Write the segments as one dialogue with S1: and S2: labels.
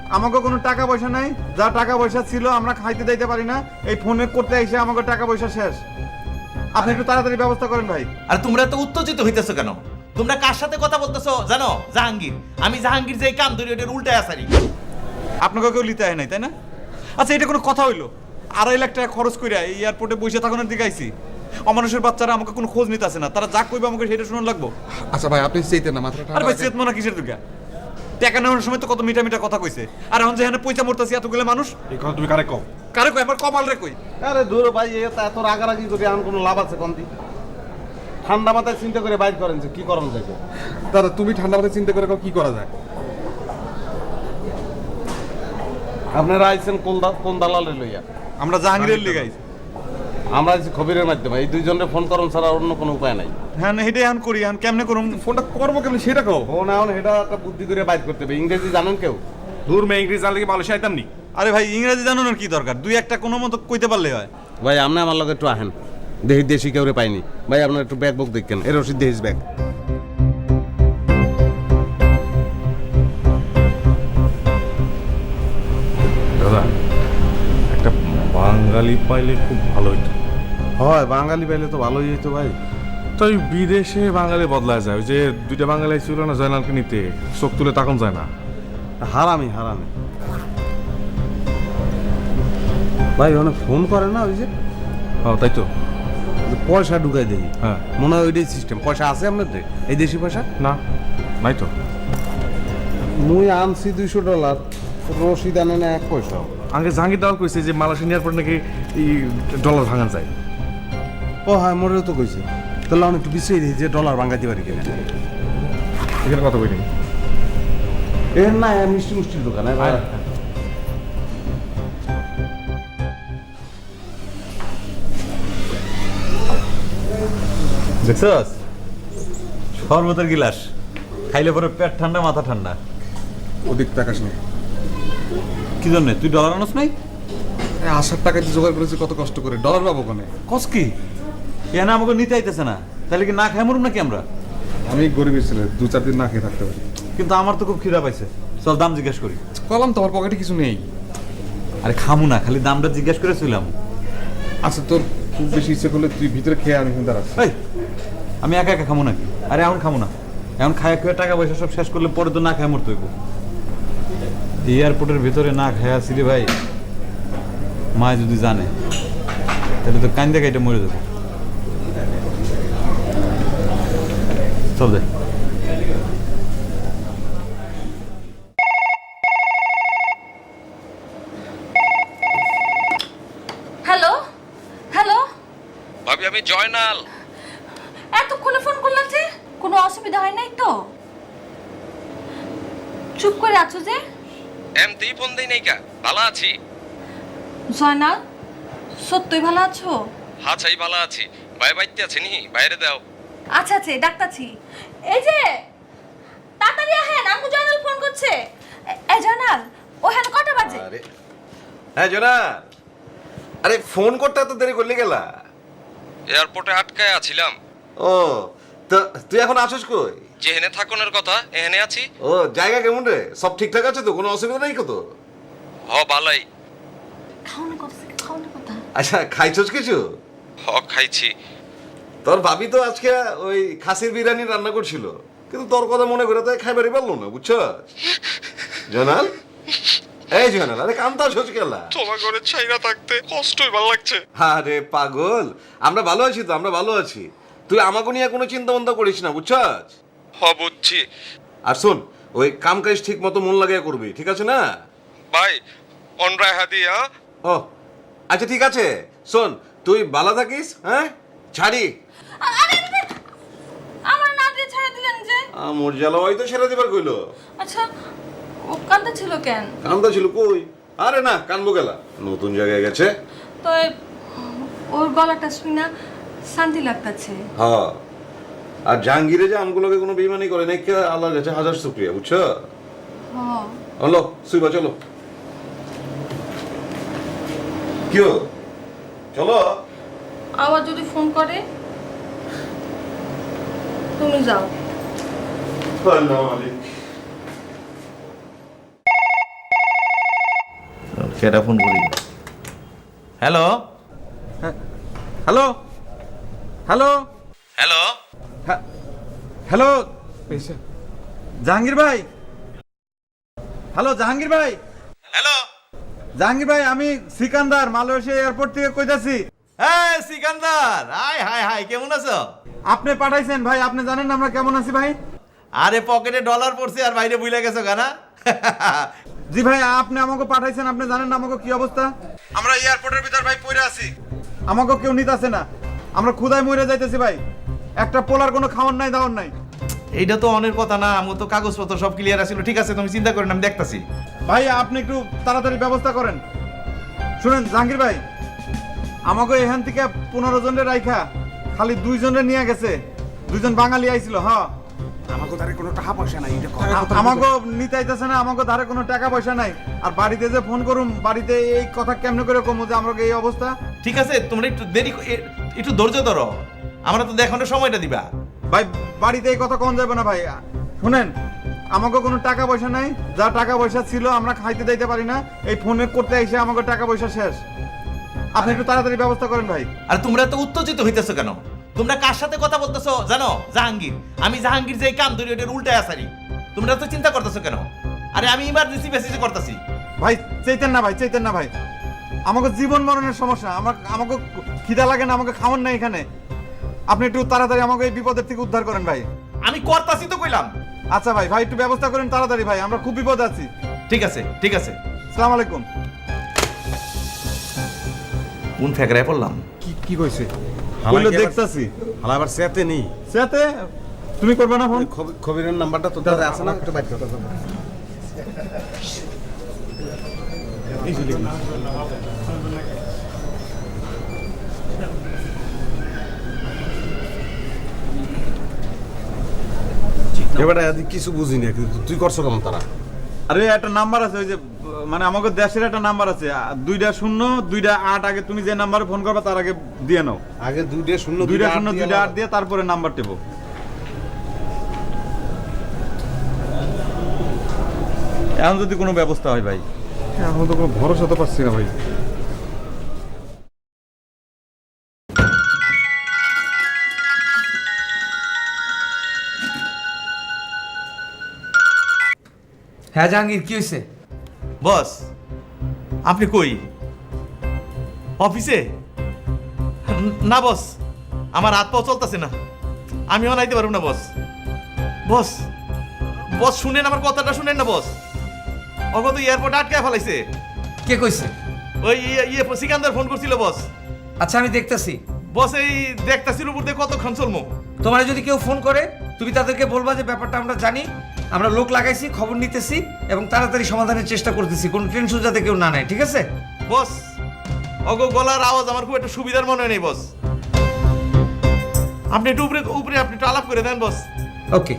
S1: আমাকে কোনো টাকা পয়সা নাই, যা টাকা পয়সা ছিল আমরা খাইতে দিতে পারি না, এই ফোনে করতে এসে আমাকে টাকা পয়সা শেষ। আপনি একটু তাড়াতাড়ি ব্যবস্থা করেন ভাই।
S2: আর তোমরা তো উত্তেজিত হইতেছো কেন? তোমরা কার সাথে কথা বলতেছো জানো? জাহাঙ্গীর। আমি জাহাঙ্গীর যে কাম ধরি ওটার উল্টায় আসারি।
S1: আপনাকে কেউ লিতে হয় নাই, তাই না? আচ্ছা, এটা কোনো কথা হইলো? 2.5 লাখ টাকা খরচ করে এই এয়ারপোর্টে বসে থাকানোর দিকে আইছি। অমানুষের বাচ্চারা আমাকে কোনো খোঁজ নিতে আসে না, তারা যা কইবে আমাকে সেটা শুনুন লাগবো।
S3: আচ্ছা ভাই, আপনি চাইতেন না মাত্র
S1: আরে ভাই, চেতমনা কিসের দুর্গা? টাকা নেওয়ার সময় তো কত মিঠা মিঠা কথা কইছে, আর এখন যেখানে পয়সা মরতাছি এতগুলো মানুষ।
S3: এই কথা তুমি কারে কও?
S1: কারে কই? আমার কপাল রে কই?
S4: আরে দূর ভাই, এত রাগারাগি করে আর কোনো লাভ আছে কোনটি? ঠান্ডা মাথায় চিন্তা করে বাইর করেন যে কি করানো যাবে।
S3: দাদা, তুমি ঠান্ডা মাথায় চিন্তা করে কও কি করা যায়।
S4: আপনারা আইছেন কোন দালালে লইয়া?
S1: আমরা জাহাঙ্গীরের লিগে আইছি।
S4: আমরা আইছি খবরের মাধ্যমে। এই দুইজনের ফোন করুন ছাড়া অন্য কোনো উপায় নাই।
S1: হ্যাঁ, হেঁটে এখন করি, এখন কেমনে করুম?
S3: ফোনটা করবো কেমন সেটা কও।
S4: ফোন এখন এটা একটা বুদ্ধি করে বাইর করতে হবে। ইংরেজি জানেন কেউ?
S3: দূর মে ইংরেজি জানলে কি মালয়েশিয়া আইতাম নি?
S1: আরে ভাই, ইংরেজি জানানোর কি দরকার? দুই একটা কোনো মতো কইতে পারলে হয়।
S4: ভাই আপনি আমার লগে একটু আহেন, দেখি দেশি কেউ পাইনি। ভাই আপনার একটু ব্যাগ বুক দেখেন, এর রসিদ দেহিস ব্যাগ।
S5: দাদা, একটা বাঙালি পাইলে খুব ভালো হইতো।
S4: হয়, বাঙালি পাইলে তো ভালোই হইতো ভাই।
S5: তাই বিদেশে বাঙালি বদলা যায়। ওই যে দুইটা বাঙালি ছিল না জয়নালকে নিতে, চোখ তুলে তাকান যায় না।
S4: হারামি ভাই অনেক ফোন করে না, ওই যে
S5: হ্যাঁ তাই তো।
S4: পয়সা ঢুকাই দেই।
S5: হ্যাঁ,
S4: মনে হয় ওইটাই সিস্টেম। পয়সা আছে আপনাদের এই দেশি পয়সা?
S5: না নাই তো।
S4: মুই আনছি $200, রসিদ আনে না 1 পয়সা।
S5: আগে জাহাঙ্গীর দাওয়াল কইছে যে মালয়েশিয়া নেওয়ার পর নাকি এই ডলার ভাঙান যায়।
S4: ও হ্যাঁ, মোরেও তো কইছে। তাহলে আমি একটু বিশ্রী দিই যে ডলার ভাঙাতে পারি কিনা।
S5: এখানে কথা বলি।
S4: এর না মিষ্টির দোকান।
S1: দেখছস, শরবতের গিলাস খাইলে পরে পেট ঠান্ডা, মাথা ঠান্ডা।
S3: ওদিক তাকাস না।
S1: কি জন্য? তুই ডলার আনস নাই?
S3: আসার টাকা দিয়ে জোগাড় করেছি কত কষ্ট করে, ডলার পাবো কোনে?
S1: কস কি? এখানে আমাকে নিতে আইতেছে না, তাহলে কি না খাই মরুম নাকি আমরা?
S3: আমি গরিবের ছেলে, 2-4 দিন না খেয়ে থাকতে পারি।
S1: কিন্তু আমার তো খুব খিদা পাইছে, চল দাম জিজ্ঞেস করি।
S3: কলাম তোমার পকেটে কিছু নেই।
S1: আরে খামু না, খালি দামটা জিজ্ঞেস করেছিলাম।
S3: আচ্ছা, তোর খুব বেশি ইচ্ছে করলে তুই ভিতরে খেয়ে আমি কিন্তু দাঁড়াচ্ছি।
S1: এই, আমি একা একা খামু নাকি? আরে এখন খামু না, এখন খায় খেয়ে টাকা পয়সা সব শেষ করলে পরে তো না খায় মরতে হইব। এয়ারপোর্টের ভিতরে না খায় আসি রে ভাই, মা যদি জানে তাহলে তো কান্দে কাইটা মরে যাবে। চল যাই।
S6: হ্যালো হ্যালো,
S7: ভাবি আমি জয়নাল।
S6: এতক্ষণে ফোন করলাম যে? কোনো অসুবিধা হয় নাই তো? চুপ করে আছো যে?
S7: এমতেই ফোন দেই নাই কা, ভালো আছি।
S6: জয়নাল, সত্যই ভালো আছো?
S7: হ্যাঁ চাই ভালো আছি। ভাই বাইতে আছে নি, বাইরে দাও।
S6: আচ্ছা আচ্ছা, ডাক্তারছি। এই যে তাড়াতাড়ি আহেন, আমু জয়নাল ফোন করছে। এই জয়নাল, ওখানে কটা বাজে?
S2: আরে হ্যাঁ জোনা, আরে ফোন করতে এত দেরি করলি গেলা?
S7: এয়ারপোর্টে আটকায় আছিলাম।
S2: ও, তো তুই এখন আসিস কই?
S7: যেহেনে থাকুনের কথা এহেনে আছি।
S2: ও, জায়গা কেমন রে? সব ঠিকঠাক আছে তো? কোনো অসুবিধা নেই কত?
S7: হ বালাই।
S6: খাওয়ানো কথা, খাওয়ানো কথা।
S2: আচ্ছা, খাইছস কিছু?
S7: হ খাইছি।
S2: তোর ভাবি তো আজকে ওই খাসির বিরিয়ানি রান্না করছিল, কিন্তু তোর কথা মনে করে তাই খাইবারই পারলো না, বুঝছো জয়নাল? এই জয়নাল, আরে কান্তা আসছ কেলা?
S7: তোমার ঘরে ছাইরা থাকতে কষ্টই ভালো লাগছে।
S2: আরে পাগল, আমরা ভালো আছি তো, আমরা ভালো আছি। তুই আমাকে নিয়ে কোনো চিন্তা ভাবনা করিস না, বুঝছস?
S7: হ বুঝছি।
S2: আর শোন, ওই কাম কাজ ঠিক মতো মন লাগিয়ে করবি, ঠিক আছে না?
S7: ভাই অনরায় হাদিয়া।
S2: ও আচ্ছা, ঠিক আছে। শোন, তুই ভালো থাকিস, হ্যাঁ? ছাড়ি
S6: আরে আমার না দিয়ে ছেড়ে দিলেন যে?
S2: মোর জ্বালা হয়তো সেরা দিবার কইলো।
S6: আচ্ছা, ও কান্দা ছিল কেন?
S2: কান্দা ছিল কই? আরে না, কানবো গেলা, নতুন জায়গায় গেছে
S6: তো ওর গলাটা শুনি না শান্তি লাগতাছে।
S2: হ্যাঁ। আর জাহাঙ্গীরে যে আমগুলোকে কোনো বেইমানি করে নাই, আল্লাহর কাছে হাজার শুকরিয়া, বুঝছো?
S6: হ্যাঁ।
S2: হলো সুইবা, চলো। কি চলো।
S6: আবার যদি ফোন করে তুমি যাও।
S2: আল্লাহ মালিক।
S8: কেটা ফোন করি। Hello
S1: hello hello
S8: hello
S1: hello Jahangir ভাই, হ্যালো জাহাঙ্গীর ভাই,
S8: হ্যালো
S1: জাহাঙ্গীর ভাই আমি সিকান্দার মালয়েশিয়া এয়ারপোর্ট থেকে কইতাছি।
S8: হ্যাঁ সিকান্দার, হাই হাই হাই, কেমন আছো?
S1: আপনি পাঠাইছেন ভাই, আপনি জানেন না আমরা কেমন আছি ভাই।
S8: আরে পকেটে ডলার পড়ছে আর বাইরে বুইলা গেছো গানা।
S1: জি ভাই, আপনি আমাকে পাঠাইছেন, আপনি জানেন না আমাকে কি অবস্থা। আমরা এয়ারপোর্টের ভিতর ভাই পড়ে আছি, আমাকে কেউ নিতেছে না, আমরা ক্ষুধায় মরে যাইতেছি ভাই, একটা পোলার কোনো খাওয়ার নাই দাওয়ার নাই।
S8: এইটা তো অনেক কথা না, আমার তো কাগজপত্র সব ক্লিয়ার আছিল। ঠিক আছে তুমি চিন্তা করেন, আমি দেখতাছি।
S1: ভাই আপনি একটু তাড়াতাড়ি ব্যবস্থা করেন। শুনেন জাহাঙ্গীর ভাই, আমাকে এখান থেকে 15 জনের রাইখা খালি 2 জনের নিয়ে গেছে, 2 জন বাঙালি আইছিল। হ্যাঁ
S4: আমাকে তারে কোনো টাকা পয়সা নাই, এটা
S1: আমাকে নিতে আইতেছে না, আমাকে ধারে কোনো টাকা পয়সা নাই। আর বাড়িতে যে ফোন করুম, বাড়িতে এই কথা কেমনে করে কমু যে আমরা এই অবস্থা।
S8: ঠিক আছে তোমরা একটু দেরি একটু ধৈর্য ধরো, আমরা তো দেখানোর সময়টা দিবা।
S1: ভাই বাড়িতে এই কথা কম যাবে না ভাই। শুনেন আমাকে কোনো টাকা পয়সা নাই, যা টাকা পয়সা ছিল আমরা খাইতে দিতে পারি না, এই ফোনে করতে এসে আমাকে টাকা পয়সা শেষ। আপনি একটু তাড়াতাড়ি ব্যবস্থা করেন ভাই।
S8: আর তোমরা তো উত্তেজিত হইতেছো কেন? তোমরা কার সাথে কথা বলতেছো জানো? জাহাঙ্গীর, আমি জাহাঙ্গীর যে কাম ধরি ওটার উল্টায় আসারি। তোমরা তো চিন্তা করতেছো কেন? আরে আমি ইমার্জেন্সি মেসেজ করতেছি।
S1: ভাই চাইতেন না ভাই, চাইতেন না ভাই, আমাকে জীবন মরণের সমস্যা, আমাকে খিদা লাগে না, আমাকে খাওয়ান না এখানে। আপনি একটু তাড়াতাড়ি আমাকে এই বিপদের থেকে উদ্ধার করেন ভাই।
S8: আমি করতাছি তো কইলাম।
S1: আচ্ছা ভাই, ভাই একটু ব্যবস্থা করেন তাড়াতাড়ি ভাই, আমরা খুব বিপদে আছি।
S8: ঠিক আছে ঠিক আছে।
S1: আসসালামু আলাইকুম।
S8: কোন ফেকরায় পড়লাম?
S3: কি কইছে?
S1: বললো দেখতাছি।
S4: হালা আবার সেতে নেই।
S1: সাথে তুমি করবে না ফোন?
S4: খবিরের নাম্বারটা তোর কাছে আছে না? একটু বাইর কর। এবারে কিছু বুঝি না, কিন্তু তুই করছো কেমন তারা?
S1: আরে একটা নাম্বার আছে, ওই যে মানে আমাদের দেশের একটা নাম্বার আছে, 2টা 0 2টা 8, আগে তুমি যে নাম্বারে ফোন করবে তার আগে দিয়ে নাও।
S4: আগে 2টা 0
S1: 2টা 0 2টা 8 দিয়ে তারপরে নাম্বার টেপো। এখন যদি কোনো ব্যবস্থা হয় ভাই।
S3: এখন তো কোনো ভরসা তো পাচ্ছি না ভাই।
S9: হ্যাঁ জাহাঙ্গীর, কি হয়েছে?
S8: বস আপনি কই? অফিসে? না বস, আমার হাত পাও চলতেছে না, আমিও নাইতে পারব না বস। বস বস শুনেন, আমার কথাটা শুনেন না বস। ওকে তো এয়ারপোর্টে আটকায় ফেলাইছে।
S9: কে কইছে?
S8: ওই সিকান্দার ফোন করছিল বস।
S9: আচ্ছা আমি দেখতাছি।
S8: বস এই দেখতাছির উপর দিয়ে কতক্ষণ চলমো?
S9: তোমার যদি কেউ ফোন করে তুমি তাদেরকে বলবা যে ব্যাপারটা আমরা জানি, আমরা লোক লাগাইছি, খবর নিতেছি এবং তাড়াতাড়ি সমাধানের চেষ্টা করতেছি, কোনো টেনশন যাতে কেউ না নেয়। ঠিক আছে
S8: বস? ওগো গলার আওয়াজ আমার খুব একটা সুবিধার মনে নেই বস। আপনি একটু উপরে উপরে আপনি একটু আলাপ করে দেন বস।
S9: ওকে।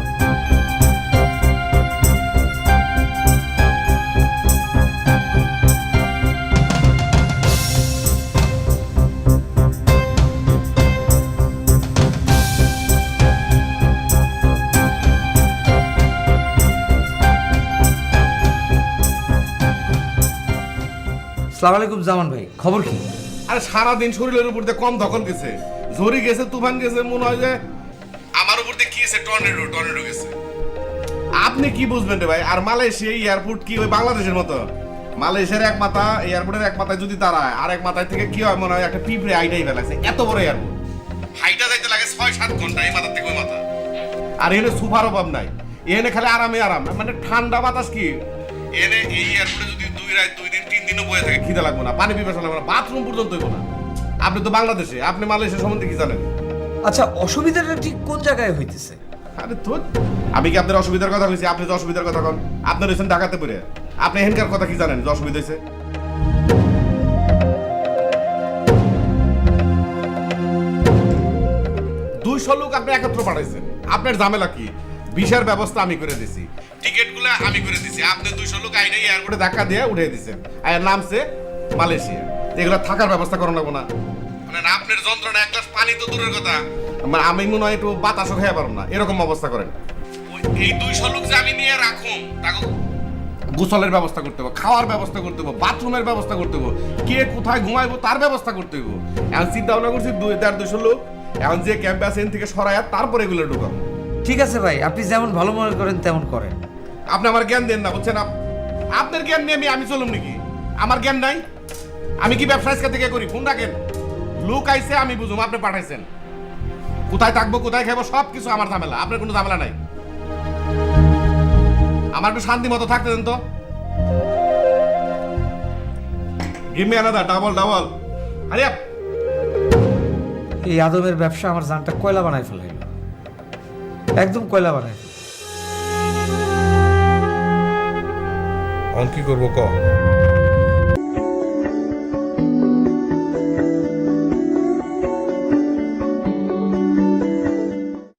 S9: আসসালামু আলাইকুম জামান ভাই, খবর কি?
S4: আরে সারাদিন শরীরের উপর দিয়ে কম দখল গেছে, ঝড়ি গেছে, তুফান গেছে, মনে হয় যে আমার উপর দিয়ে কি গেছে, টর্নেডো গেছে। আপনি কি বুঝবেন রে ভাই? আর মালয়েশিয়া এয়ারপোর্ট কি ওই বাংলাদেশের মতো? মালয়েশিয়ার এক মাথা, এয়ারপোর্টের এক মাথায় যদি দাঁড়ায়, আর এক মাথায় থেকে কি হয় মনে হয় একটা পিঁপড়ে আইটাই ফেলাছে। এত বড় এয়ারপোর্ট, হাইটা যাইতে লাগে 6-7 ঘন্টা এই মাথা থেকে ওই মাথা। আর এখানে সুপার অভাব নাই, এখানে খালি আরামে আরাম, মানে ঠান্ডা বাতাস। কি এনে এই এয়ারপোর্টে যদি 2 রাত 2 দিন 3 দিনও বয়ে থাকে, খিদে লাগবে না, পানি পিপাসা লাগবে না, বাথরুম পর্যন্ত হইব না। আপনি তো বাংলাদেশে, আপনি মালয়েশিয়া সম্বন্ধে কি জানেন?
S9: আচ্ছা অসুবিধাটা ঠিক কোন জায়গায় হইতেছে?
S4: আরে তো আমি কি আপনার অসুবিধার কথা বলছি? আপনি তো অসুবিধার কথা কন। আপনার হয়েছেন ঢাকাতে পড়ে, আপনি এখানকার কথা কি জানেন যে অসুবিধা হয়েছে? 200 লোক আপনি একত্র পাঠাইছেন, আপনার ঝামেলা কি? ভিসার ব্যবস্থা আমি করে দিছি, টিকিটগুলো আমি করে দিছি, আপনি 200 লোক আইনে এয়ারপোর্টে ধাক্কা দিয়ে উঠিয়ে দিয়েছেন, আর নামছে মালয়েশিয়া। এগুলো থাকার ব্যবস্থা করানো না মানে আপনার যন্ত্রণা, এক গ্লাস পানি তো দূরের কথা, মানে আমি মনে হয় একটু বাতাসও খেয়ে পারবো না, এরকম অবস্থা করেন। এই 200 লোক যে আমি নিয়ে রাখুন, তাকে গোসলের ব্যবস্থা করতে হবে, খাওয়ার ব্যবস্থা করতে হবে, বাথরুমের ব্যবস্থা করতে হবে, কে কোথায় ঘুমাইবো তার ব্যবস্থা করতে হবে। এখন চিন্তা ভাবনা করছি 2-250 লোক এখন যে ক্যাম্পে আছে এখান থেকে সরাইয়া তারপরে এগুলো ঢুকাবো।
S9: ঠিক আছে ভাই, আপনি যেমন ভালো মনে করেন তেমন করেন।
S4: আপনি আমার জ্ঞান দেন না, বুঝছেন? আপনার জ্ঞান নিয়ে আমি চলুম নাকি? আমার জ্ঞান নাই? আমি কি ব্যবসা আজকে থেকে করি? ফোন রাখেন, লোক আইছে আমি বুঝুম, আপনি পাঠাইছেন। কোথায় থাকবো কোথায় খাবো সব কিছু আমার ঝামেলা, আপনার কোনো ঝামেলা নাই। আমার একটু শান্তি মতো থাকতে দেন তো। Give me another double. আরে
S9: এই আদমের ব্যবসা আমার জানটা কয়লা বানাই ফেলাইল, একদম কয়লা বানাই ফেলাইল।
S5: এখন কি করবো ক?